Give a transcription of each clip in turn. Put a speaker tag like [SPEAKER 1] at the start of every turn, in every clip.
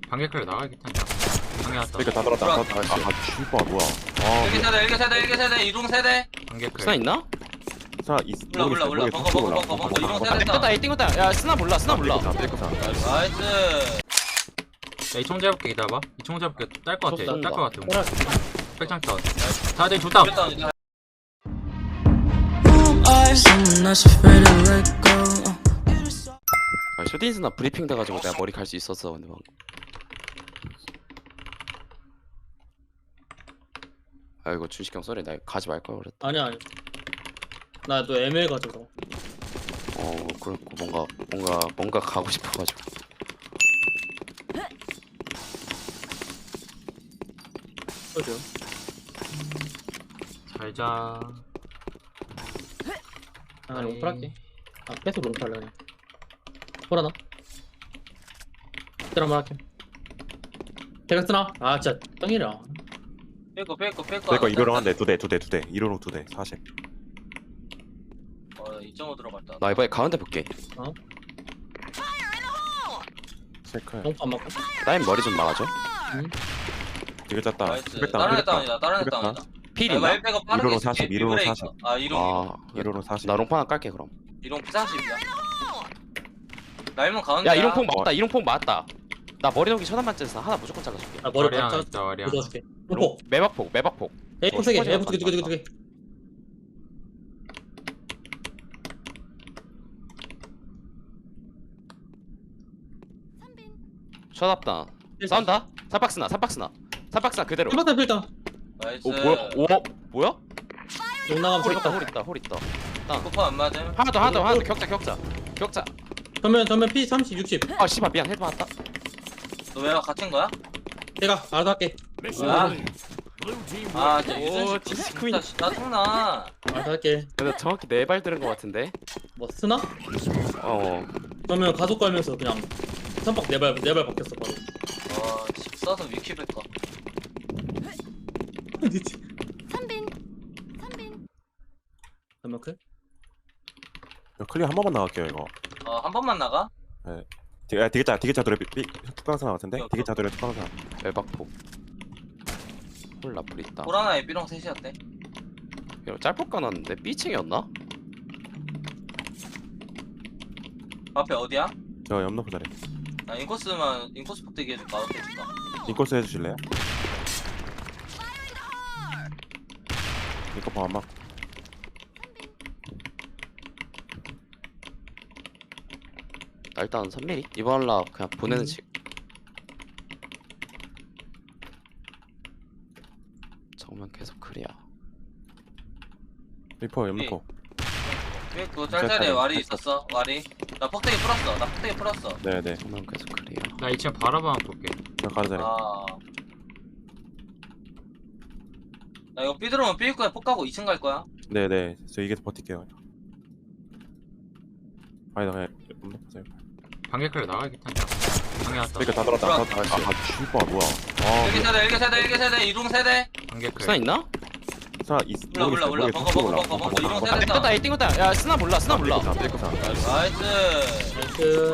[SPEAKER 1] 방개클 나가겠다. 방개 왔다.
[SPEAKER 2] 그러니까 다 들었다. 슈퍼 뭐야?
[SPEAKER 3] 일개 세대, 일개 세대, 일개 세대, 이동 세대.
[SPEAKER 1] 방개클.
[SPEAKER 4] 스나 있나?
[SPEAKER 2] 사
[SPEAKER 3] 몰라. 벙커. 이동 세대.
[SPEAKER 4] 땡겼다 A 땡겼다. 야 스나 몰라 스나 몰라.
[SPEAKER 3] 나이스.
[SPEAKER 1] 야, 이총 잡을게. 기다려봐. 이총 잡을게. 딸 것 같아.
[SPEAKER 4] 쏜다.
[SPEAKER 1] 딸 것 같아. 백장 컷. 다들 좋다.
[SPEAKER 4] 쇼딘스나 브리핑 돼가지고 내가 머리 갈 수 있었어 근데 방금. 아이고 준식형 쏘리 나 가지 말 걸 그랬다.
[SPEAKER 5] 아니야. 나 너 ML 가져서.
[SPEAKER 4] 그렇고 뭔가 가고 싶어가지고.
[SPEAKER 5] 그죠?
[SPEAKER 1] 잘자.
[SPEAKER 5] 아 롱플 할게. 아 계속 롱플 할래 그냥. 호라나? 들 한번 할게. 대각 쓰나? 아 진짜 똥이라.
[SPEAKER 3] 빼고.
[SPEAKER 2] 그러니까 이로롱 한대 두 대. 이로롱 2대 40.
[SPEAKER 3] 2.5 들어갔다.
[SPEAKER 4] 나 이번에 가운데 볼게.
[SPEAKER 2] 체크해.
[SPEAKER 5] 롱프 안 맞고.
[SPEAKER 4] 나인 머리 좀 막아줘.
[SPEAKER 2] 되게 짰다.
[SPEAKER 3] 나이스.
[SPEAKER 2] 백당,
[SPEAKER 3] 다른 애
[SPEAKER 2] 백당.
[SPEAKER 3] 다운이다. 다른 애
[SPEAKER 2] 백당.
[SPEAKER 3] 다운이다.
[SPEAKER 4] 필 있나?
[SPEAKER 3] 말빼고 빠르게
[SPEAKER 2] 이로로
[SPEAKER 3] 쓸게.
[SPEAKER 2] 40, 이로로
[SPEAKER 3] 비브레이크.
[SPEAKER 2] 40.
[SPEAKER 3] 아 이동.
[SPEAKER 2] 이로롱 40.
[SPEAKER 4] 나 롱판 하나 깔게 그럼.
[SPEAKER 3] 이동 P40이야. 날면 가운데.
[SPEAKER 4] 야 이롱폭 맞다. 이롱폭 맞다. 나 머리 녹이 천안 만점에서 하나 무조건 잘라줄게.
[SPEAKER 5] 아 머리
[SPEAKER 1] 머리 하나
[SPEAKER 5] 맞춰.
[SPEAKER 1] 있다. 머리 하나.
[SPEAKER 5] 묻어줄게. 롱포.
[SPEAKER 4] 매박폭.
[SPEAKER 5] 에이포 세 개. 에이포 두 개.
[SPEAKER 4] 셔답다. 싸운다. 삼박스나 그대로.
[SPEAKER 5] 필다 필다.
[SPEAKER 3] 나이스.
[SPEAKER 4] 뭐야?
[SPEAKER 5] 롱 나가면
[SPEAKER 4] 홀 있다.
[SPEAKER 5] 필다.
[SPEAKER 4] 홀 있다.
[SPEAKER 3] 쿠퍼 안 맞음.
[SPEAKER 4] 하나 더 격자.
[SPEAKER 5] 전면 P 30 60.
[SPEAKER 4] 아 씨발 미안 헤드 맞다.
[SPEAKER 3] 너 왜 갇힌 거야?
[SPEAKER 5] 내가 알아서 할게.
[SPEAKER 3] 진짜
[SPEAKER 4] 오,
[SPEAKER 3] 유준씨
[SPEAKER 4] 진짜
[SPEAKER 3] 진짜 짜증나.
[SPEAKER 5] 알아서 할게.
[SPEAKER 4] 근데 정확히 4발 들은 거 같은데.
[SPEAKER 5] 뭐 쓰나? 그러면 가속 걸면서 그냥 선박 4발 바뀌었어 바로.
[SPEAKER 3] 집 써서 위키백과.
[SPEAKER 5] 전면 클?
[SPEAKER 2] 클리어 한 번만 나갈게요 이거.
[SPEAKER 3] 한 번만 나가?
[SPEAKER 2] 되게 돌에 특강사 같은데? 되게 돌에 특강사.
[SPEAKER 4] 매박폭. 홀 라플 있다.
[SPEAKER 3] 보라나에 삐롱 셋이었대.
[SPEAKER 4] 이거 짧폭 까놨는데 B층이었나?
[SPEAKER 3] 앞에 어디야?
[SPEAKER 2] 저 염노프 자리.
[SPEAKER 3] 나 인코스 폭대기 해줄까? 어떻게 해줄까?
[SPEAKER 2] 인코스 해주실래요? 인코스 안 맞고.
[SPEAKER 4] 나 일단 3mm? 이번 라 그냥 보내는 식. 정면 계속 클리어.
[SPEAKER 2] 리퍼 염노프.
[SPEAKER 3] 그 짤짤에 와리 있었어. 와리. 나 폭대기 풀었어.
[SPEAKER 2] 네네.
[SPEAKER 4] 정면 계속 클리어.
[SPEAKER 1] 나 2층 바라봐 볼게.
[SPEAKER 2] 저 가드 자리.
[SPEAKER 3] 나 이거 삐 들어오면 삐일 거야. 폭 가고 2층 갈 거야.
[SPEAKER 2] 네네. 저 이게 버틸게요. 아니 나 그냥 염노프 자리.
[SPEAKER 1] 방개클 나가겠다. 방개 왔다.
[SPEAKER 2] 그러니까 다 들었다. 슈퍼 뭐야?
[SPEAKER 3] 일개 세대, 이동 세대.
[SPEAKER 1] 방개클.
[SPEAKER 4] 스나 있나?
[SPEAKER 3] 몰라. 벙커. 이동 세대.
[SPEAKER 4] 땡겼다 A 땡겼다. 야 스나 몰라.
[SPEAKER 3] 나이스.
[SPEAKER 5] 나이스.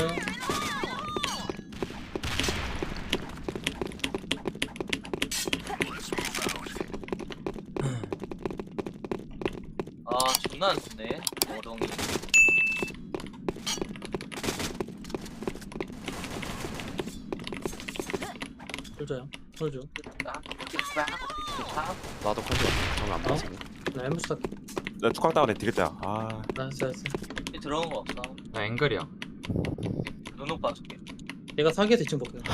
[SPEAKER 3] 존나 안 좋네. 어동이.
[SPEAKER 5] 홀줘요. 홀줘.
[SPEAKER 4] 나도 컨디션 정안 맞아.
[SPEAKER 5] 나 햄버스 할게.
[SPEAKER 2] 나 축강 다운에 되겠다.
[SPEAKER 5] 나이스.
[SPEAKER 3] 삐 들어온 거 없어.
[SPEAKER 1] 나 앵글이야.
[SPEAKER 3] 눈옥 봐줄게.
[SPEAKER 5] 내가 사기에서 2층 볼게.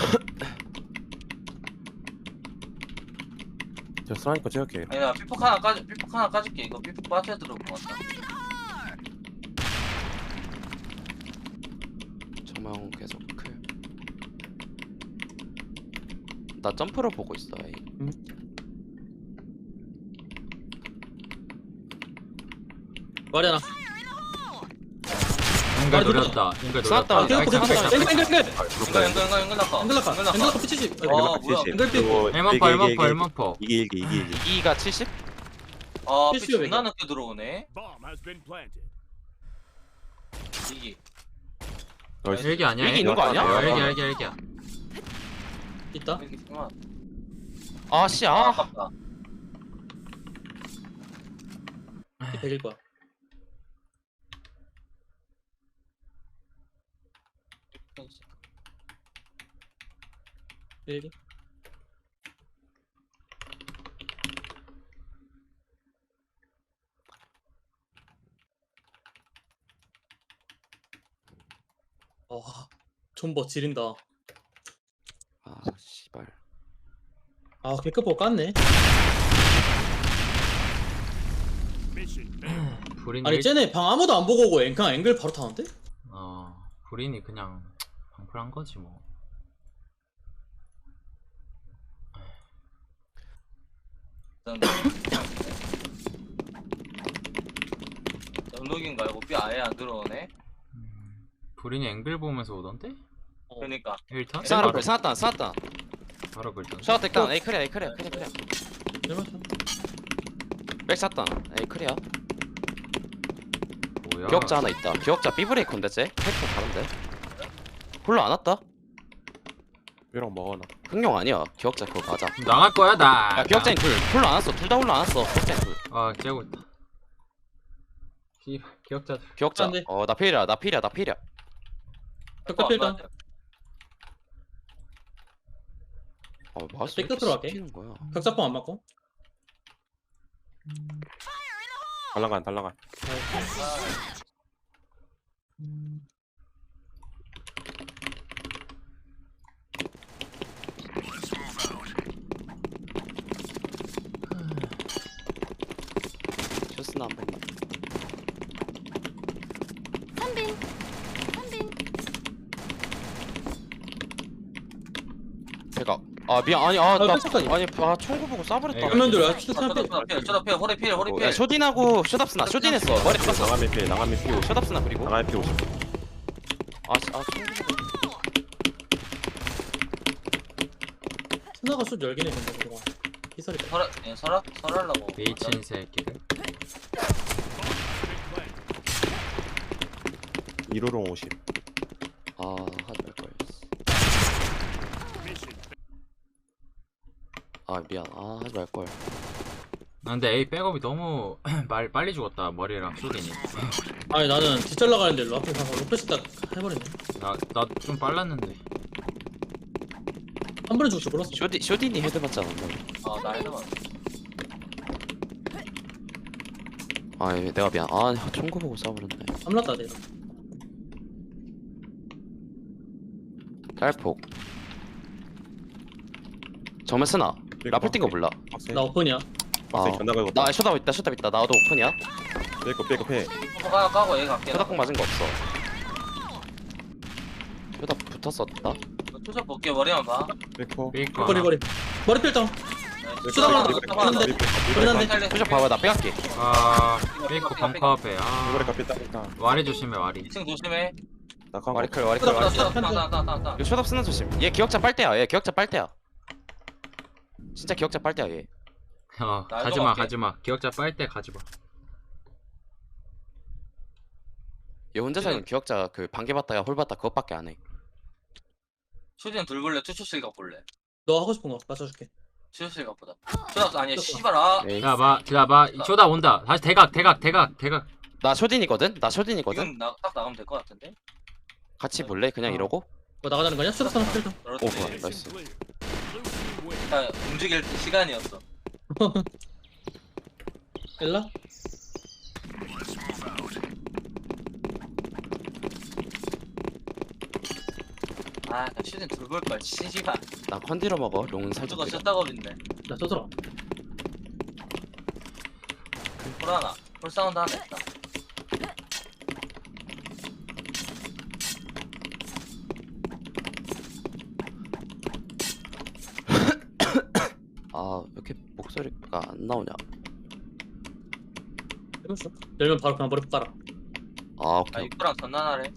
[SPEAKER 2] 저 스나이퍼 찍을게.
[SPEAKER 3] 아니 나 삐폭 하나 까줄게. 이거 삐폭 빠져 들어올 것 같다.
[SPEAKER 4] 정면 계속 클. 나 점프를 보고 있어. A.
[SPEAKER 5] 말이 하나.
[SPEAKER 1] 앵글 노렸다. 앵글
[SPEAKER 4] 쐈다.
[SPEAKER 1] 노렸다.
[SPEAKER 5] 앵글
[SPEAKER 1] 앵글
[SPEAKER 5] 앵글.
[SPEAKER 3] 앵글 낙하.
[SPEAKER 5] 앵글 P70.
[SPEAKER 3] 뭐야.
[SPEAKER 5] 앵글 P.
[SPEAKER 1] 엘머퍼.
[SPEAKER 2] 이게
[SPEAKER 4] 2가 70?
[SPEAKER 3] 삐
[SPEAKER 5] 필수요,
[SPEAKER 3] 존나 늦게 들어오네. 이기.
[SPEAKER 1] 일기 아니야?
[SPEAKER 4] 일기 있는 거 아니야?
[SPEAKER 1] 일기야.
[SPEAKER 5] 있다.
[SPEAKER 3] 이렇게 있구만.
[SPEAKER 4] 아씨
[SPEAKER 3] 아,
[SPEAKER 4] 아
[SPEAKER 3] 아깝다.
[SPEAKER 5] 이 100일 거야. 일기. 존버 지린다.
[SPEAKER 4] 아 씨발
[SPEAKER 5] 아 개급보 깠네.
[SPEAKER 1] 불인이
[SPEAKER 5] 아니 쟤네 방 아무도 안 보고 오고 그냥 앵글 바로 타는데?
[SPEAKER 1] 불인이 그냥 방풀한 거지 뭐.
[SPEAKER 3] 연록인 말고 삐 아예 안 들어오네.
[SPEAKER 1] 불인이 앵글 보면서 오던데?
[SPEAKER 3] 그러니까
[SPEAKER 1] 1턴?
[SPEAKER 4] 쌍아를 쌍았다
[SPEAKER 1] 바로 불턴.
[SPEAKER 4] 샤워 됐다 에이 크리야 크리야
[SPEAKER 5] 잘못했어.
[SPEAKER 4] 백 쐈다 에이 크리야
[SPEAKER 1] 뭐야?
[SPEAKER 4] 기억자 하나 있다 기억자 B브레이커인데 쟤? 캐릭터 다른데? 홀로 안 왔다?
[SPEAKER 2] 삐롱 먹어놔.
[SPEAKER 4] 흥룡 아니야 기억자 그거 맞아
[SPEAKER 1] 나갈 거야 나.
[SPEAKER 4] 야 기억자인 둘 홀로 안 왔어 둘 다 홀로 안 왔어 기억자인 둘
[SPEAKER 1] 아 째고 있다. 기억자.
[SPEAKER 4] 기억자
[SPEAKER 5] 안 돼.
[SPEAKER 4] 나 필이야
[SPEAKER 5] 격자 필다.
[SPEAKER 4] 마우스
[SPEAKER 5] 백 끝으로 할게.
[SPEAKER 4] 는 거야
[SPEAKER 5] 격자뽕 안 맞고.
[SPEAKER 2] 달랑간.
[SPEAKER 4] 쇼스나 한 번만 제가 아 미안 아니
[SPEAKER 5] 아,
[SPEAKER 4] 나
[SPEAKER 5] 뺏었다니.
[SPEAKER 4] 아니 총구 보고 쏴버렸다
[SPEAKER 5] 화면들 야
[SPEAKER 3] 쳐다 허리 필 허리 필.
[SPEAKER 4] 야 쇼딘하고 쇼답스나 쇼딘했어 머리 쳤어
[SPEAKER 2] 나가면 피 50.
[SPEAKER 4] 쇼답스나 그리고
[SPEAKER 2] 나가면 피 50.
[SPEAKER 4] 총구 보고
[SPEAKER 5] 스나가 슛 10개네 근데 그동안. 희설이다.
[SPEAKER 3] 설하려고.
[SPEAKER 1] 미친 새끼들.
[SPEAKER 2] 1호롱 50.
[SPEAKER 4] 하지 말걸 미안 하지 말걸
[SPEAKER 1] 근데 A 백업이 너무 빨리 죽었다. 머리랑 쇼딘이.
[SPEAKER 5] 아니 나는 뒷잘 나가는데 로 앞에 가서 로페스 딱 해버리네.
[SPEAKER 1] 나 좀 빨랐는데.
[SPEAKER 5] 한 번에 죽을 줄 몰랐어.
[SPEAKER 4] 쇼딘이 헤드 맞잖아
[SPEAKER 3] 나 해도
[SPEAKER 4] 내가 미안 총구 보고 쏴버렸네
[SPEAKER 5] 삼났다 내가.
[SPEAKER 4] 딸폭 정면 쓰나 라플 뛴거 몰라
[SPEAKER 2] 박스.
[SPEAKER 5] 나 오픈이야.
[SPEAKER 2] 박스 견나 걸고.
[SPEAKER 4] 나 쇼답 있다 나도 오픈이야
[SPEAKER 2] 빼고 해.
[SPEAKER 3] 까고 얘 갈게.
[SPEAKER 4] 쇼답 공 맞은 거 없어 쇼답 붙었었다
[SPEAKER 3] 투샷 볼게. 머리만 봐.
[SPEAKER 2] 빼고.
[SPEAKER 1] 삐거.
[SPEAKER 5] 머리 필당.
[SPEAKER 3] 네.
[SPEAKER 4] 쇼답 봐봐 나 빼갈게
[SPEAKER 1] 삐거 벙커 앞에.
[SPEAKER 2] 이거래 삐딱.
[SPEAKER 1] 와리 조심해 와리.
[SPEAKER 3] 2층 조심해.
[SPEAKER 2] 나간 거.
[SPEAKER 4] 와리클 이거 쇼답 쓰는 조심 얘 기억자 빨대야 진짜 기억자 빨대야 얘
[SPEAKER 1] 가지마
[SPEAKER 3] 갈게.
[SPEAKER 1] 기억자 빨 때 가지마.
[SPEAKER 4] 얘 혼자서는 기억자 그 반개 봤다가 홀 봤다 그것밖에 안해
[SPEAKER 3] 슈딘 둘 볼래? 투쇼실 갖볼래?
[SPEAKER 5] 너 하고 싶은 거 맞춰줄게.
[SPEAKER 3] 투쇼실 갖보다. 투쇼 아니야 씨발 아.
[SPEAKER 4] 에이,
[SPEAKER 1] 기다봐 쇼다 온다. 다시 대각.
[SPEAKER 4] 나 쇼딘이거든?
[SPEAKER 3] 지금 딱 나가면 될 것 같은데?
[SPEAKER 4] 같이 볼래? 그냥 이러고?
[SPEAKER 5] 뭐 나가자는 거냐? 슈다 삼 필당.
[SPEAKER 3] 그렇지.
[SPEAKER 4] 오 좋아 나이스
[SPEAKER 3] 움직일 시간이었어.
[SPEAKER 5] 일라?
[SPEAKER 3] 나 슈딘 둘 볼걸 씨발.
[SPEAKER 4] 나 컨디로 먹어 롱은 살짝
[SPEAKER 3] 저거
[SPEAKER 4] 느려
[SPEAKER 3] 쳤다고 빈네.
[SPEAKER 5] 나 쏘더라.
[SPEAKER 3] 볼 하나. 볼 사운드 하나 있다.
[SPEAKER 4] 왜 이렇게 목소리가 안 나오냐
[SPEAKER 5] 해봤어? 열면 바로 그냥 머리 깔아.
[SPEAKER 4] 오케이
[SPEAKER 3] 입구랑 전난하래.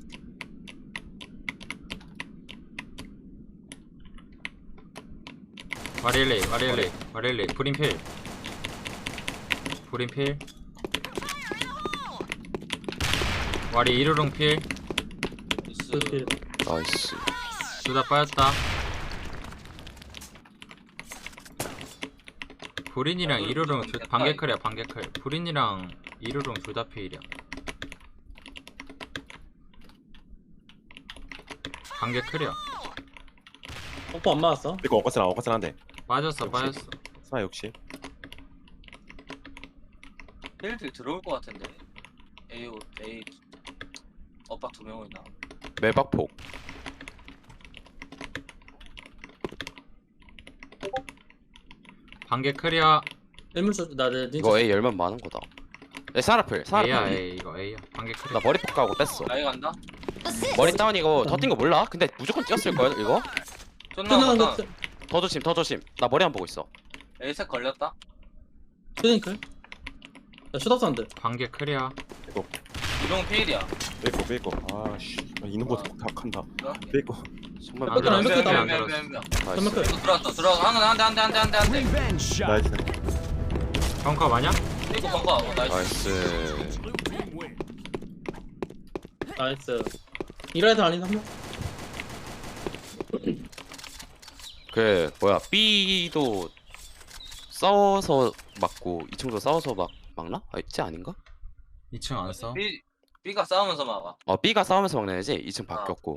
[SPEAKER 1] 와릴리 브린필 와리 이루롱 필.
[SPEAKER 5] 그렇게
[SPEAKER 4] 나이스
[SPEAKER 1] 둘 다 빠졌다. 불인이랑
[SPEAKER 3] 야,
[SPEAKER 1] 이루롱
[SPEAKER 3] 좀 됐다,
[SPEAKER 1] 반개클이야 반개클. 불인이랑 이루롱 둘 다 페일이야. 반개클이야.
[SPEAKER 5] 뽀뽀 안 맞았어?
[SPEAKER 2] 이거 어거스한데.
[SPEAKER 1] 빠졌어
[SPEAKER 2] 역시.
[SPEAKER 1] 빠졌어.
[SPEAKER 2] 스나 60.
[SPEAKER 3] 필드 들어올 것 같은데. A 오빠 2명이나.
[SPEAKER 4] 매박폭.
[SPEAKER 1] 반개클이야.
[SPEAKER 5] 일문쇼 나내
[SPEAKER 4] 이거 A 열면 많은 거다. 사라플
[SPEAKER 1] A야
[SPEAKER 4] 사라플.
[SPEAKER 1] A 이거 A야. 반개클이야.
[SPEAKER 4] 나 머리폭 가고 뺐어.
[SPEAKER 3] 나이 간다.
[SPEAKER 4] 머리 다운 이거 더 뛴 거 몰라? 근데 무조건 뛰었을 걸 이거.
[SPEAKER 5] 끝나는
[SPEAKER 3] 쫀나
[SPEAKER 5] 거
[SPEAKER 4] 더 조심 더 조심. 나 머리 안 보고 있어.
[SPEAKER 3] A색 걸렸다.
[SPEAKER 5] 슈딩클 야 슈답산드
[SPEAKER 1] 반개클이야.
[SPEAKER 3] 이동 필이야.
[SPEAKER 2] 삐고. 아씨. 있는 곳 다 간다. 삐고.
[SPEAKER 4] 정말
[SPEAKER 1] 안
[SPEAKER 5] 뺏겨라,
[SPEAKER 1] 들어왔어.
[SPEAKER 5] 뺏겼다.
[SPEAKER 1] 안 들어왔어.
[SPEAKER 4] 나이스.
[SPEAKER 5] 전멸클
[SPEAKER 3] 들어갔어. 한대.
[SPEAKER 2] 나이스.
[SPEAKER 1] 벙커 마냐?
[SPEAKER 3] 이거 뭔가 나이스.
[SPEAKER 4] 나이스.
[SPEAKER 5] 나이스 이라이트 아닌 한명
[SPEAKER 4] 그 뭐야 B도 싸워서 맞고 2층도 싸워서 막나? 아 있지 아닌가?
[SPEAKER 1] 2층 안 써.
[SPEAKER 3] B가 싸우면서 막아.
[SPEAKER 4] B가 싸우면서 막는 애지 2층 바뀌었고.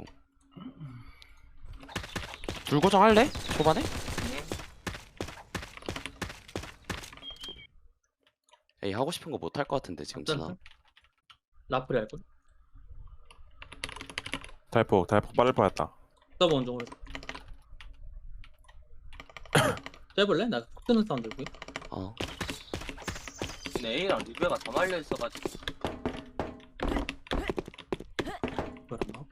[SPEAKER 4] 둘 고정할래? 초반에? 에이 하고 싶은 거 못 할 것 같은데 지금 진아.
[SPEAKER 5] 라플이 할걸
[SPEAKER 2] 달폭 빠를 뻔했다.
[SPEAKER 5] 서브 원종으로 떼볼래? 나 콕드는 사운드 여기
[SPEAKER 4] 어.
[SPEAKER 3] 근데 A랑 리베가 다 말려 있어가지고.
[SPEAKER 5] 뭐였나?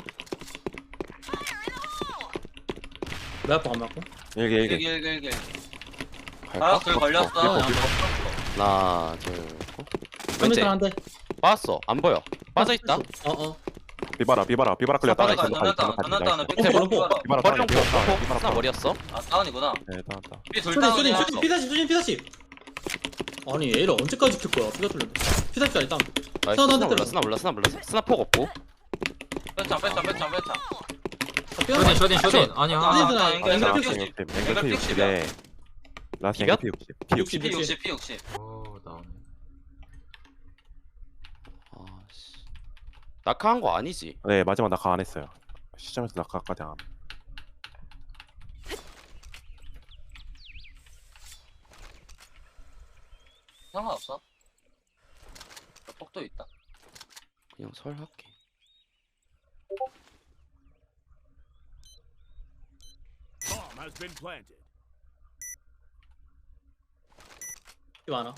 [SPEAKER 5] 내 앞에 안 맞고
[SPEAKER 2] 일개.
[SPEAKER 3] 길.
[SPEAKER 4] 갈까?
[SPEAKER 3] 길 걸렸어.
[SPEAKER 4] 하나 둘 고. 왼쪽
[SPEAKER 5] 3m 한대
[SPEAKER 4] 빠졌어 안 보여 빠져있다.
[SPEAKER 5] 어어
[SPEAKER 2] 비바라 끌렸다.
[SPEAKER 3] 전났다.
[SPEAKER 4] 밑에
[SPEAKER 5] 롱포.
[SPEAKER 4] 머리 롱포 스나 머리였어.
[SPEAKER 3] 아 다운이구나.
[SPEAKER 2] 네, 나왔다.
[SPEAKER 3] B둘
[SPEAKER 5] 슈딩
[SPEAKER 3] 다운이야.
[SPEAKER 5] 피사십 아니 얘를 언제까지 킬 거야 피가 뚫렸네 피사십짜리 다운
[SPEAKER 4] 나이스
[SPEAKER 5] 스나
[SPEAKER 4] 스나
[SPEAKER 5] 한대
[SPEAKER 4] 몰라 스나 폭 없고.
[SPEAKER 3] 빼창.
[SPEAKER 1] 쇼딘. 아니야.
[SPEAKER 2] 앵글 P60에 라스 앵글 P60.
[SPEAKER 3] P60.
[SPEAKER 1] 오 나오네.
[SPEAKER 4] 아씨 낙하한 거 아니지?
[SPEAKER 2] 네, 마지막 낙하 안 했어요. 시점에서 낙하까지 안. 함.
[SPEAKER 3] 상관없어. 폭도 있다.
[SPEAKER 4] 그냥 설 할게.
[SPEAKER 6] Bomb has been planted.
[SPEAKER 5] 이 많아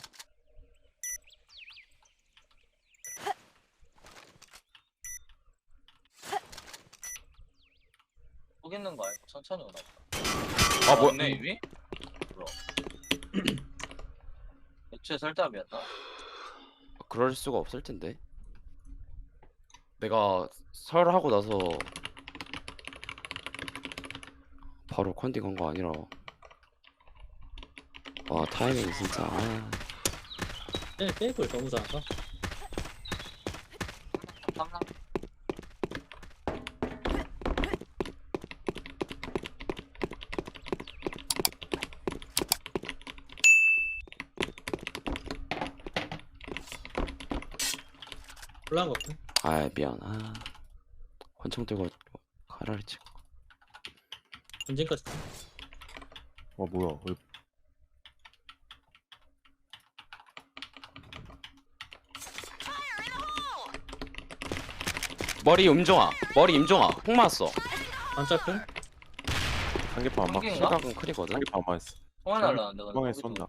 [SPEAKER 3] 폭 있는 거 알고 천천히 오나 보다.
[SPEAKER 4] 아 뭐야?
[SPEAKER 3] 없네 이미? 뭐야? 애초에 설담이었나?
[SPEAKER 4] 그럴 수가 없을 텐데. 내가 설하고 나서 바로 컨딩한 거 아니라. 와 타이밍 진짜. 아.
[SPEAKER 5] 떼볼 너무 잘한다
[SPEAKER 3] 탐나?
[SPEAKER 5] 올라간 거 같아
[SPEAKER 4] 아 미안. 아 권총 들고 가라를 치고.
[SPEAKER 5] 전진까지
[SPEAKER 2] 뭐야?
[SPEAKER 4] 머리 임종아 폭 맞았어.
[SPEAKER 5] 반짝클
[SPEAKER 2] 한개판 안 맞고.
[SPEAKER 3] 한개인가?
[SPEAKER 4] 시각은 크리거든.
[SPEAKER 2] 한개판 안 맞았어.
[SPEAKER 3] 통화 날라는데
[SPEAKER 2] 뻥에 쏜다.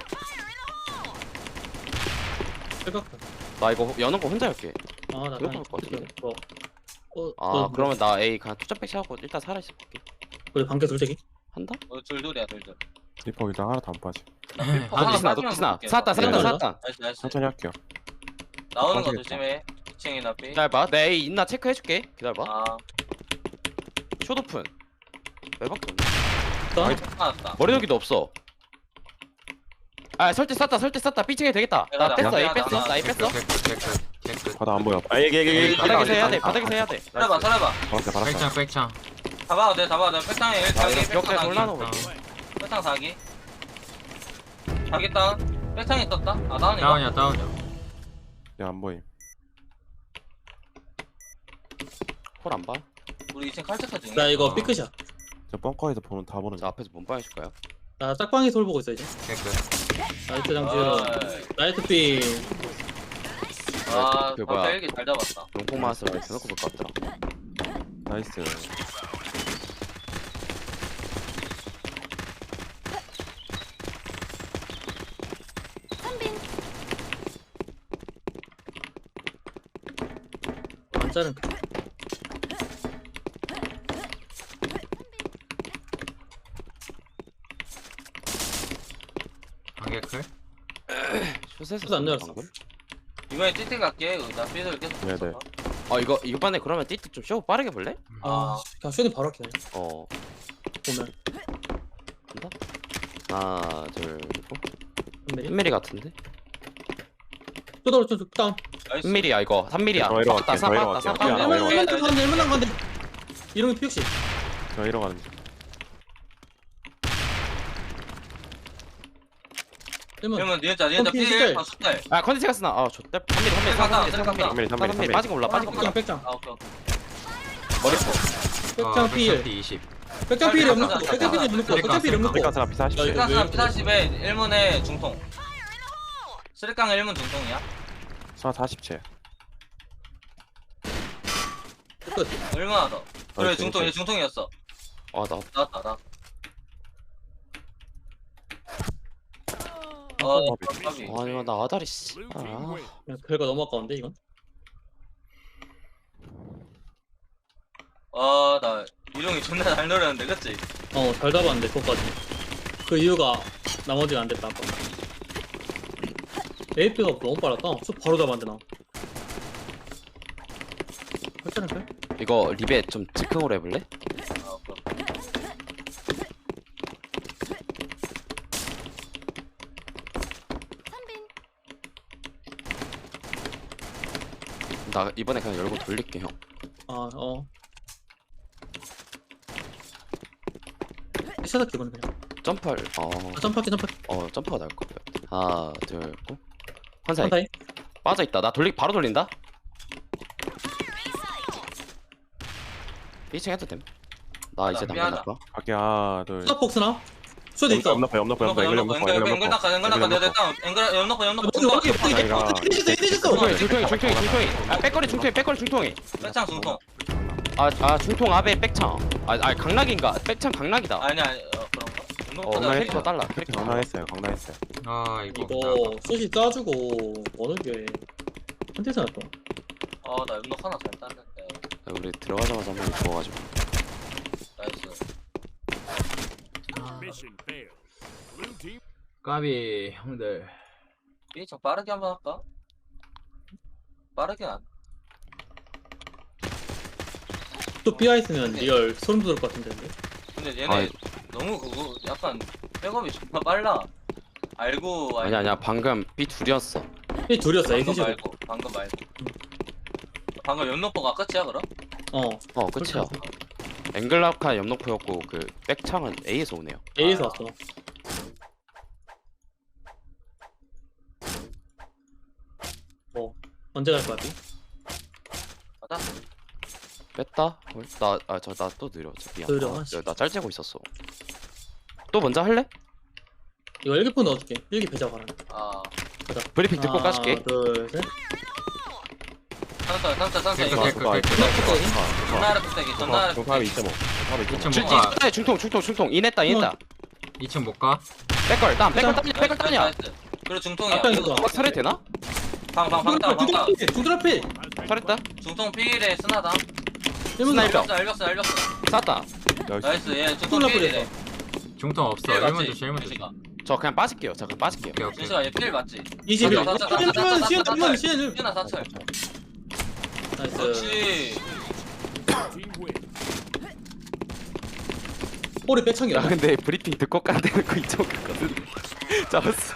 [SPEAKER 5] 실각클
[SPEAKER 4] 나 이거 여는 거 혼자 할게.
[SPEAKER 5] 아나
[SPEAKER 4] 그거 할것 같은데?
[SPEAKER 5] 어,
[SPEAKER 4] 그러면 나 A 그냥 투점백 하고 일단 살아 있을게.
[SPEAKER 5] 우리 반개 둘째기
[SPEAKER 4] 한다?
[SPEAKER 3] 둘둘이야 둘둘.
[SPEAKER 2] 리퍼 일단 하나도 안 빠지.
[SPEAKER 4] 녹지스나 샀다.
[SPEAKER 3] 나이스.
[SPEAKER 2] 천천히 할게요.
[SPEAKER 3] 나오는 거
[SPEAKER 2] 빠지겠다.
[SPEAKER 3] 조심해. 2층이나 B.
[SPEAKER 4] 기다려봐. 내 A 있나 체크해줄게. 기다려봐.
[SPEAKER 3] 아
[SPEAKER 4] 숏오픈. 매박도
[SPEAKER 3] 나왔다.
[SPEAKER 4] 머리 여기도 없어. 아 설대 쌌다. 삐칭해 되겠다. 나 뺐어. A 뺐어. 나 A 뺐어.
[SPEAKER 1] 개끝.
[SPEAKER 2] 바다 안 보여. 아, 얘.
[SPEAKER 4] 바닥에서 해야 돼. 바닥에서 해야 돼.
[SPEAKER 3] 살아봐.
[SPEAKER 2] 알았어.
[SPEAKER 1] 백창.
[SPEAKER 3] 잡아도 돼. 백탕에 1
[SPEAKER 4] 아, 이거
[SPEAKER 3] 사기.
[SPEAKER 4] 벽에
[SPEAKER 3] 백탕
[SPEAKER 4] 올라놓은 거.
[SPEAKER 3] 백탕 사기. 알겠다. 백창이 떴다. 아 다운이가.
[SPEAKER 1] 다운이야.
[SPEAKER 2] 야안 보임.
[SPEAKER 4] 홀 안 봐?
[SPEAKER 3] 우리 2층 칼체까지.
[SPEAKER 5] 나 이거
[SPEAKER 1] 어.
[SPEAKER 5] 삐끗이야.
[SPEAKER 2] 저 벙커에서 보는 다 보는
[SPEAKER 4] 저 앞에서 몸빵 해줄까요?
[SPEAKER 5] 나 짝방에서 홀 보고 있어 이제.
[SPEAKER 1] 깨끗.
[SPEAKER 5] 나이트 장지우. 나이트 삐.
[SPEAKER 3] 아,
[SPEAKER 4] 그 뭐야.
[SPEAKER 3] 벨기 잘 잡았다.
[SPEAKER 4] 롱폭 마스를 대놓고 볼 것 같더라.
[SPEAKER 2] 나이스.
[SPEAKER 5] 완자는
[SPEAKER 1] 관계클.
[SPEAKER 4] 슛에서
[SPEAKER 5] 안 열었어.
[SPEAKER 4] 방금?
[SPEAKER 3] 이번에 띠띠 갈게. 나 삐들 계속.
[SPEAKER 2] 네네.
[SPEAKER 3] 붙여봐.
[SPEAKER 4] 이번에 그러면 띠띠 좀 쇼 빠르게 볼래?
[SPEAKER 5] 아 그냥 슈팅 바로 할게
[SPEAKER 4] 어
[SPEAKER 5] 보면.
[SPEAKER 4] 간다. 하나 둘 셋.
[SPEAKER 5] 한미리.
[SPEAKER 4] 1mm 같은데?
[SPEAKER 5] 또 다운.
[SPEAKER 3] 나이스.
[SPEAKER 4] 3mm야 이거 3mm야.
[SPEAKER 2] 저 이러 갈게, 저 이러 갈게. 야, 나 이러 갈게.
[SPEAKER 5] 일문 간데. 이름이 피육시.
[SPEAKER 2] 저 이러 가는 중.
[SPEAKER 5] 일문.
[SPEAKER 3] 그러면 니은자
[SPEAKER 5] 피
[SPEAKER 3] 삐
[SPEAKER 5] 숫자에.
[SPEAKER 3] 숫달.
[SPEAKER 4] 아 컨텐츠가 쓰나? 아 좋대 3mm
[SPEAKER 3] 3mm.
[SPEAKER 2] 3mm.
[SPEAKER 4] 빠진 거 몰라 빠진 거 몰라.
[SPEAKER 5] 백장.
[SPEAKER 3] 아 오케이.
[SPEAKER 4] 머리포
[SPEAKER 5] 백장 필.
[SPEAKER 1] 20.
[SPEAKER 5] 백장 필이 없는 거.
[SPEAKER 3] 백장
[SPEAKER 5] 백장 필이 없는 거. 백장 필이 없는 거.
[SPEAKER 2] 백가스나 비사시.
[SPEAKER 5] 야, 이거-
[SPEAKER 3] 일단 40에 1문에 중통. 쓰리깡 1문 중통이야.
[SPEAKER 2] 사 40채.
[SPEAKER 5] 끝.
[SPEAKER 3] 얼마나 더? 그래
[SPEAKER 2] 나이스,
[SPEAKER 3] 중통 얘
[SPEAKER 2] 나이스.
[SPEAKER 3] 중통이었어.
[SPEAKER 4] 아나
[SPEAKER 3] 나왔다 나. 까비.
[SPEAKER 4] 아니 나 아다리 씨.
[SPEAKER 6] Blue team
[SPEAKER 4] 아.
[SPEAKER 6] win.
[SPEAKER 5] 야, 결과 너무 아까운데 이건.
[SPEAKER 3] 나 이동이 존나 잘 노렸는데 그치?
[SPEAKER 5] 잘 잡았는데 그거까지. 그 이유가 나머지가 안 됐다 아까. AP가 너무 빨랐다. 쑥 바로 잡았는데 나. 괜찮을까?
[SPEAKER 4] 이거 리베 좀 즉흥으로 해볼래?
[SPEAKER 3] 오케이.
[SPEAKER 4] 나 이번에 그냥 열고 돌릴게 형.
[SPEAKER 5] 시작 기본은 그냥.
[SPEAKER 4] 점프할
[SPEAKER 5] 점프할게.
[SPEAKER 4] 점프가 나을 것 같아. 하나 둘 고. 환사이
[SPEAKER 5] 한타임.
[SPEAKER 4] 빠져 있다. 나 바로 돌린다. 1층 해도 됨. 나 이제
[SPEAKER 3] 미안하다.
[SPEAKER 4] 당근 할까?
[SPEAKER 2] 갈게 하나 둘.
[SPEAKER 5] 스나폭스나? 쇼도 있어.
[SPEAKER 2] 염너퍼
[SPEAKER 3] 앵글 앵글
[SPEAKER 4] 중통이. 아 백거리 중통이.
[SPEAKER 3] 백창 중통.
[SPEAKER 4] 아 중통 아베 백창. 아 강락인가? 백창 강락이다.
[SPEAKER 3] 아니야 그런가?
[SPEAKER 4] 캐릭터 달라. 캐릭터 달라.
[SPEAKER 2] 강남했어요.
[SPEAKER 1] 아 이거.
[SPEAKER 5] 이거 숏이 짜주고 어느 게 한테서 났다.
[SPEAKER 3] 나 연록 하나 잘 땄는데.
[SPEAKER 4] 우리 들어가자마자 한번 죽어가지고.
[SPEAKER 3] 나이스.
[SPEAKER 6] Mission failed. Blue team
[SPEAKER 1] 까비 형들.
[SPEAKER 3] 삐좀 빠르게 한번 할까? 빠르게 안.
[SPEAKER 5] 또 삐아 있으면 리얼 소름 돋을 것 같은데.
[SPEAKER 3] 근데 얘네
[SPEAKER 4] 아이.
[SPEAKER 3] 너무 그거 약간 백업이 존나 빨라. 알고
[SPEAKER 4] 아니야 방금 B 둘이었어.
[SPEAKER 5] 이 둘이었어.
[SPEAKER 3] 방금
[SPEAKER 5] 에이센시로.
[SPEAKER 3] 말고 방금 말고. 방금 연록포가 끝이야 그럼?
[SPEAKER 4] 끝이야. 앵글라카 염록포였고 그 백창은 A에서 오네요.
[SPEAKER 5] A에서 왔어. 언제 갈 거야 삐?
[SPEAKER 3] 맞아?
[SPEAKER 4] 뺐다? 나 또 느려. 미안.
[SPEAKER 5] 느려.
[SPEAKER 4] 나 짤째고 있었어. 또 먼저 할래?
[SPEAKER 5] 이거 일기폰 넣어줄게. 일기 배자 가라.
[SPEAKER 4] 브리핑 듣고
[SPEAKER 5] 하나,
[SPEAKER 4] 까줄게.
[SPEAKER 5] 둘, 셋.
[SPEAKER 3] 산타
[SPEAKER 1] 깨끗
[SPEAKER 3] 이거.
[SPEAKER 1] 깨끗 깨끗.
[SPEAKER 3] 전나 아래 뚝배기 전나 아래
[SPEAKER 2] 중탑이
[SPEAKER 3] 뚝배기.
[SPEAKER 2] 2.5.
[SPEAKER 1] 2층
[SPEAKER 4] 중-
[SPEAKER 1] 못 가.
[SPEAKER 4] 중통 인했다.
[SPEAKER 1] 2층 못 가.
[SPEAKER 4] 백걸 따냐?
[SPEAKER 3] 그리고 중통이야.
[SPEAKER 5] 앞에
[SPEAKER 3] 이거
[SPEAKER 5] 있어.
[SPEAKER 4] 설해 되나?
[SPEAKER 3] 방방
[SPEAKER 5] 중드라필.
[SPEAKER 4] 설했다?
[SPEAKER 3] 중통 필에 쓰나다.
[SPEAKER 5] 일문
[SPEAKER 4] 스나이퍼.
[SPEAKER 3] 알렸어.
[SPEAKER 4] 쐈다.
[SPEAKER 3] 나이스 얘 중통
[SPEAKER 5] 중통
[SPEAKER 3] 필이래.
[SPEAKER 1] 중통 없어.
[SPEAKER 3] 필
[SPEAKER 1] 1문
[SPEAKER 3] 맞지?
[SPEAKER 1] 조심 1문 조심.
[SPEAKER 3] 준식아.
[SPEAKER 4] 저 그냥 빠질게요.
[SPEAKER 1] 오케이 오케이.
[SPEAKER 3] 준식아 얘필 맞지?
[SPEAKER 5] 21.
[SPEAKER 3] 사-
[SPEAKER 5] 시엔 시엔.
[SPEAKER 3] 준아 사철.
[SPEAKER 5] 나이스.
[SPEAKER 3] 그렇지.
[SPEAKER 6] team win.
[SPEAKER 5] 볼이 빼창이야.
[SPEAKER 4] 야 근데 브리핑 듣고 까야 되는 거 이쪽이거든. 잡았어.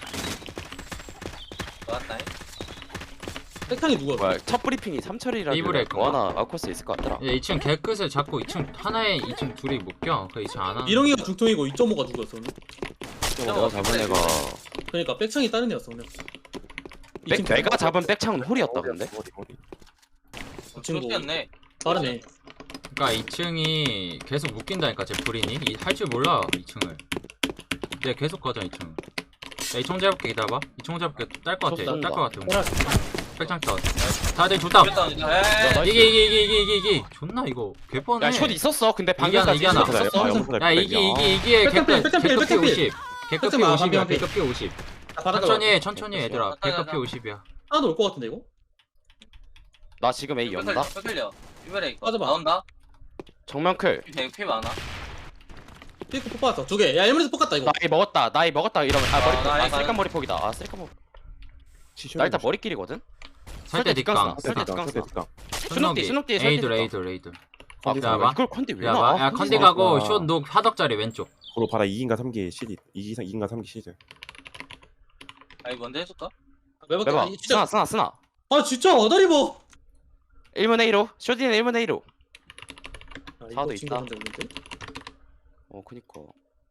[SPEAKER 3] 좋았다잉.
[SPEAKER 5] 빼창이 누구야?
[SPEAKER 4] 뭐야 첫 브리핑이 3철이라
[SPEAKER 1] 이브레
[SPEAKER 4] 뭐 하나 아웃코스 있을 것 같더라.
[SPEAKER 1] 야 2층 개끝을 잡고 2층 하나에 2층 둘이 못 껴. 그 2층 안 하는.
[SPEAKER 5] 이렁이가 중통이고 2.5가 누구였어 오늘?
[SPEAKER 4] 내가 잡은 애가
[SPEAKER 5] 그러니까 백창이 다른 애였어 그냥. 이 친구
[SPEAKER 4] 내가 잡은 백창은 홀이었다 근데.
[SPEAKER 2] 어디.
[SPEAKER 5] 이 친구
[SPEAKER 3] 네
[SPEAKER 5] 다르네.
[SPEAKER 1] 그러니까 2층이 계속 묶인다니까 제 불인이 할 줄 몰라 2층을. 내가 계속 가자 2층. 야 2층 잡을게 기다려봐. 2층 잡을게 딸 것 같아.
[SPEAKER 5] 쏜다.
[SPEAKER 1] 딸 것 같아.
[SPEAKER 5] 호라.
[SPEAKER 1] 백창 다운. 다들 좋다.
[SPEAKER 3] 그랬다.
[SPEAKER 1] 이게 존나 이거 개뻔해.
[SPEAKER 4] 야숏 있었어. 근데
[SPEAKER 1] 이게 하나,
[SPEAKER 4] 방금까지
[SPEAKER 1] 이게 하나.
[SPEAKER 4] 숏 있었어.
[SPEAKER 1] 야 이게
[SPEAKER 5] 백cấp
[SPEAKER 1] 개급피
[SPEAKER 5] 필, 백급 필.
[SPEAKER 1] 50. 개급피
[SPEAKER 5] 백급
[SPEAKER 1] 50이야.
[SPEAKER 5] 반피.
[SPEAKER 1] 개급피 50.
[SPEAKER 5] 바닥으로
[SPEAKER 1] 천천히 해 얘들아. 개급피 50이야.
[SPEAKER 5] 하나도 올 것 같은데 이거?
[SPEAKER 4] 나 지금 A 연다.
[SPEAKER 3] 뺏을려. 삐베레
[SPEAKER 5] 빠져봐.
[SPEAKER 3] 나온다.
[SPEAKER 4] 정면 클.
[SPEAKER 3] 피 많아.
[SPEAKER 5] 삐꾸 뽑았어 두 개. 야 1문에서 뽑았다 이거.
[SPEAKER 4] 나이 먹었다. 나이 먹었다 이러면 머리폭.
[SPEAKER 3] 나이
[SPEAKER 4] 쓰리칸
[SPEAKER 3] 가는-
[SPEAKER 4] 머리폭이다. 쓰리칸 머리. 나 일단 머리끼리거든.
[SPEAKER 1] 설대 뒷강.
[SPEAKER 4] 설대 뒷강.
[SPEAKER 1] 순옥이.
[SPEAKER 4] 순옥 뒤에
[SPEAKER 1] 에이돌
[SPEAKER 4] 설대
[SPEAKER 1] 에이돌.
[SPEAKER 4] 아
[SPEAKER 1] 기다려봐.
[SPEAKER 4] 이걸 컨디 왜
[SPEAKER 1] 야,
[SPEAKER 4] 나와?
[SPEAKER 1] 야 컨디 가고 숏녹 화덕자리 왼쪽.
[SPEAKER 2] 고로 바다 2인가 3기 시리 2인가 3기 시즌.
[SPEAKER 3] 아이 먼저 해줄까?
[SPEAKER 5] 매박.
[SPEAKER 4] 매봐.
[SPEAKER 5] 아, 진짜.
[SPEAKER 4] 쓰나.
[SPEAKER 5] 아 진짜 어다리 뭐.
[SPEAKER 4] 1문 A로. 쇼디는 1문 A로.
[SPEAKER 5] 아,
[SPEAKER 4] 사도
[SPEAKER 5] 이거 친구
[SPEAKER 4] 있다.
[SPEAKER 5] 혼자 있는데?
[SPEAKER 4] 그니까.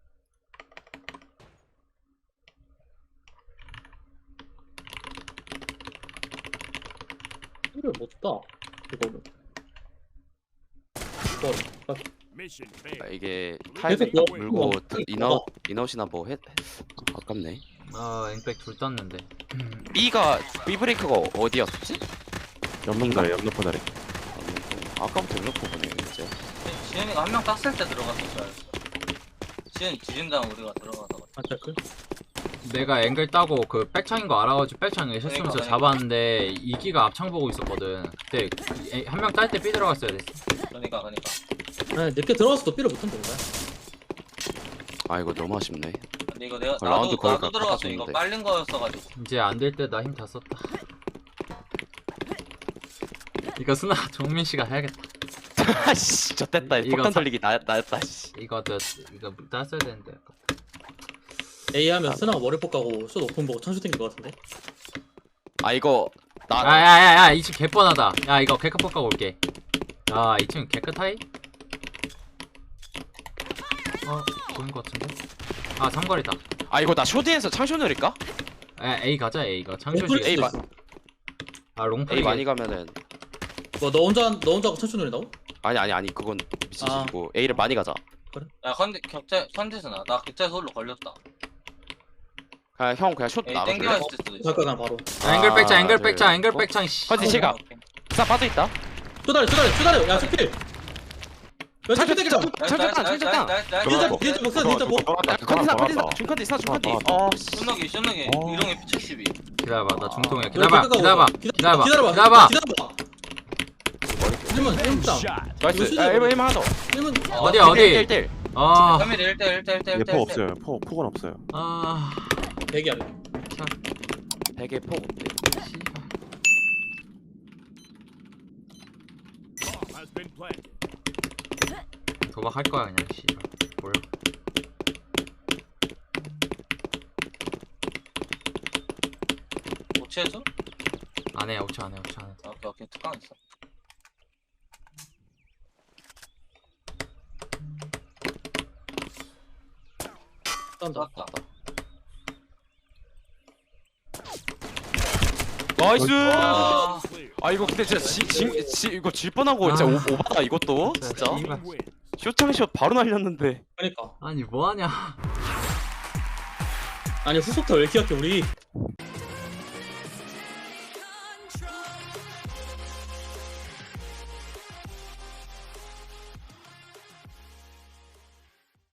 [SPEAKER 5] 이걸 못 다. 이거는.
[SPEAKER 6] Mission failed.
[SPEAKER 4] 이게
[SPEAKER 5] 계속
[SPEAKER 4] 타이밍
[SPEAKER 5] 뭐-
[SPEAKER 4] 물고
[SPEAKER 5] 뭐-
[SPEAKER 4] 인아웃이나 뭐 했. 아깝네.
[SPEAKER 1] 아 앵백 둘 땄는데.
[SPEAKER 4] B 브레이크가 어디였지?
[SPEAKER 2] 옆놈다리 옆놈다리.
[SPEAKER 4] 아까부터 이렇게 보네 이제.
[SPEAKER 3] 지현이가 한 명 땄을 때 들어갔었어야 했어. 지현이 지진 다음 우리가 들어가다가.
[SPEAKER 5] 아 댓글.
[SPEAKER 1] 내가 앵글 따고 그 백창인 거 알아가지고 백창을 실수면서
[SPEAKER 3] 그러니까.
[SPEAKER 1] 잡았는데 이기가 앞창 보고 있었거든. 그때 한 명 딸 때 삐 들어갔어야 됐어.
[SPEAKER 3] 그러니까.
[SPEAKER 5] 아 늦게 들어왔어도 삐를 못한다 이거야.
[SPEAKER 4] 아 이거 너무 아쉽네.
[SPEAKER 3] 근데 이거 내가
[SPEAKER 4] 라운드 거의
[SPEAKER 3] 나도
[SPEAKER 4] 다
[SPEAKER 3] 들어갔어. 이거
[SPEAKER 4] 깎아줬는데.
[SPEAKER 3] 빨린 거였어가지고.
[SPEAKER 1] 이제 안 될 때 나 힘 다 썼다. 이거 스나 정민 씨가 해야겠다.
[SPEAKER 4] 아씨 졌댔다.
[SPEAKER 1] 이거
[SPEAKER 4] 폭탄
[SPEAKER 1] 사-
[SPEAKER 4] 돌리기 나였다. 씨.
[SPEAKER 1] 이거 땄어야 되는데.
[SPEAKER 5] A 하면 스나가 머리폭 가고 숏 오픈 보고 창수 땡길 것 같은데.
[SPEAKER 4] 아 이거 나
[SPEAKER 1] 야야야야 2층 개뻔하다. 야 이거 개크폭 가고 올게. 야 2층 개크 타이? 보인 것 같은데? 아 삼거리다.
[SPEAKER 4] 이거 나 쇼디에서 창쇼 누릴까?
[SPEAKER 1] A 가자 A 가
[SPEAKER 5] 오픈
[SPEAKER 1] 창조지.
[SPEAKER 4] A
[SPEAKER 5] 수도
[SPEAKER 4] 마-
[SPEAKER 5] 있어.
[SPEAKER 1] 아 롱플
[SPEAKER 4] A 많이 가면은
[SPEAKER 5] 뭐 너 혼자 하고 창수 노린다고?
[SPEAKER 4] 아니 그건 미치고 A를 많이 가자.
[SPEAKER 3] 야 컨디 선지스나 나 격자에서 홀로 걸렸다.
[SPEAKER 4] 형 그냥 쇼
[SPEAKER 3] 에이
[SPEAKER 4] 나가.
[SPEAKER 3] 땡겨 있을 수도 있어.
[SPEAKER 5] 잠깐 난 바로.
[SPEAKER 1] 앵글 백창 앵글
[SPEAKER 2] 네.
[SPEAKER 1] 백창 앵글 백창 씨.
[SPEAKER 4] 컨디 실각. 사 빠져 있다.
[SPEAKER 5] 쪼다리. 야 스킬. 왼쪽
[SPEAKER 4] 창쇼
[SPEAKER 5] 땡기자.
[SPEAKER 3] 나이스.
[SPEAKER 5] 니자 뭐?
[SPEAKER 4] 컨디 중컨디 중컨디.
[SPEAKER 3] 쇼너기 이동이 P72.
[SPEAKER 1] 기다려봐 나 중통이야.
[SPEAKER 5] 기다려봐.
[SPEAKER 1] 기다려봐.
[SPEAKER 5] 일문
[SPEAKER 6] Shot.
[SPEAKER 4] 나이스.
[SPEAKER 5] 이거
[SPEAKER 4] 1번 하나 더.
[SPEAKER 5] 일문.
[SPEAKER 1] 어디야 어디?
[SPEAKER 4] 1대1.
[SPEAKER 1] 아
[SPEAKER 3] 3mm 1대1
[SPEAKER 2] 얘포 없어요. 폭은 없어요.
[SPEAKER 1] 아
[SPEAKER 5] 대기 안 해.
[SPEAKER 4] 되게 폭.
[SPEAKER 1] 씨발.
[SPEAKER 6] Bomb has been planted.
[SPEAKER 1] 도박할 거야 그냥 씨발. 몰라.
[SPEAKER 3] 오치해줘?
[SPEAKER 1] 안 해. 5초 안 해.
[SPEAKER 3] 오케이 특강 있어.
[SPEAKER 5] 딴다.
[SPEAKER 3] 땄다.
[SPEAKER 4] 나이스.
[SPEAKER 3] 아,
[SPEAKER 4] 아 이거 근데 진짜 이거 질 뻔하고 진짜
[SPEAKER 1] 아.
[SPEAKER 4] 오바다 이것도 진짜.
[SPEAKER 1] 씨발.
[SPEAKER 6] Team win.
[SPEAKER 4] 쇼창샷 바로 날렸는데.
[SPEAKER 5] 그러니까.
[SPEAKER 1] 아니 뭐하냐.
[SPEAKER 5] 아니 후속타 왜 이렇게 약해 우리.